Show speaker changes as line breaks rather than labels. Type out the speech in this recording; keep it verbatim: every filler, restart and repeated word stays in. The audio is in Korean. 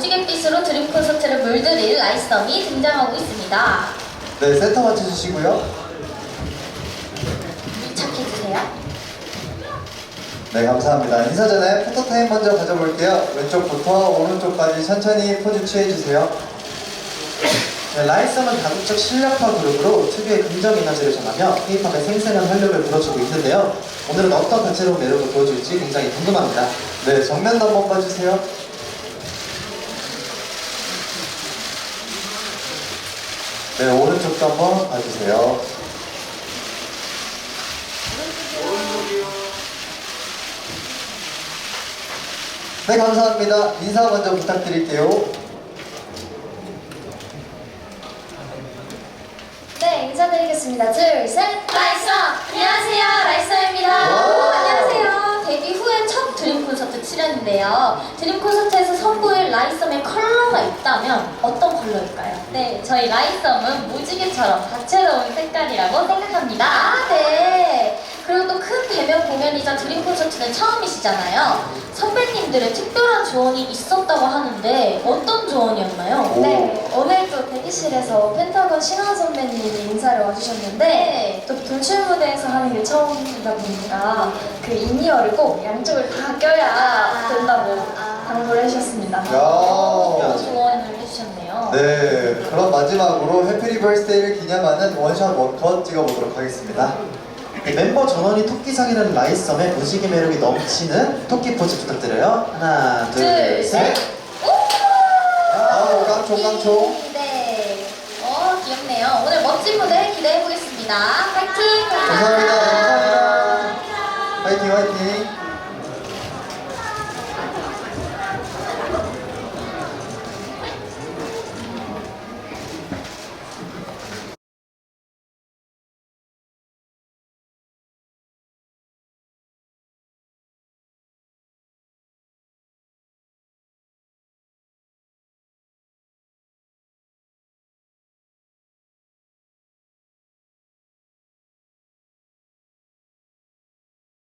무지갯빛으로 드림 콘서트를 물들일 라이썸이 등장하고 있습니다.
네, 센터 맞춰주시고요.
밀착해주세요.
네, 감사합니다. 인사 전에 포토타임 먼저 가져볼게요. 왼쪽부터 오른쪽까지 천천히 포즈 취해주세요. 네, 라이썸은 다국적 실력파 그룹으로 특유의 긍정 에너지를 전하며 K-팝의 생생한 활력을 불어주고 있는데요. 오늘은 어떤 다채로운 매력을 보여줄지 굉장히 궁금합니다. 네, 정면도 한번 봐주세요. 네, 오른쪽도 한번 봐주세요. 네, 감사합니다. 인사 먼저 부탁드릴게요.
네, 인사드리겠습니다. 둘, 셋! 라이썸! 안녕하세요, 라이썸입니다. 안녕하세요. 데뷔 후에 첫 드림 콘서트 출연인데요. 드림 콘서트에서 선보일 라이썸의 컬러가 있다면 어떤 컬러일까요? 네, 저희 라이썸은 무지개처럼 다채로운 색깔이라고 생각합니다. 아, 네. 그리고 또 큰 대면 공연이자 드림 콘서트는 처음이시잖아요. 선배님들의 특별한 조언이 있었다고 하는데 어떤 조언이었나요?
오.
네, 오늘 또 대기실에서 펜타곤 신화 선배님이 인사를 와주셨는데
네.
또 돌출 무대에서 하는 게 처음이다 보니까 그 인이어를 꼭 양쪽을 다 껴야 된다고 당부를 해주셨습니다.
야.
좋은 조언을 해주셨네요.
네, 그럼 마지막으로 해피 리버스데이를 기념하는 원샷 원컷 찍어보도록 하겠습니다. 네, 멤버 전원이 토끼상이라는 라이썸의 무지개 매력이 넘치는 토끼 포즈 부탁드려요. 하나, 둘,
둘,
셋.
셋.
아우, 깡총, 깡총.
네. 어, 귀엽네요. 오늘 멋진 무대 기대해보겠습니다. 파이팅!
감사합니다. 감사합니다. 화이팅, 화이팅.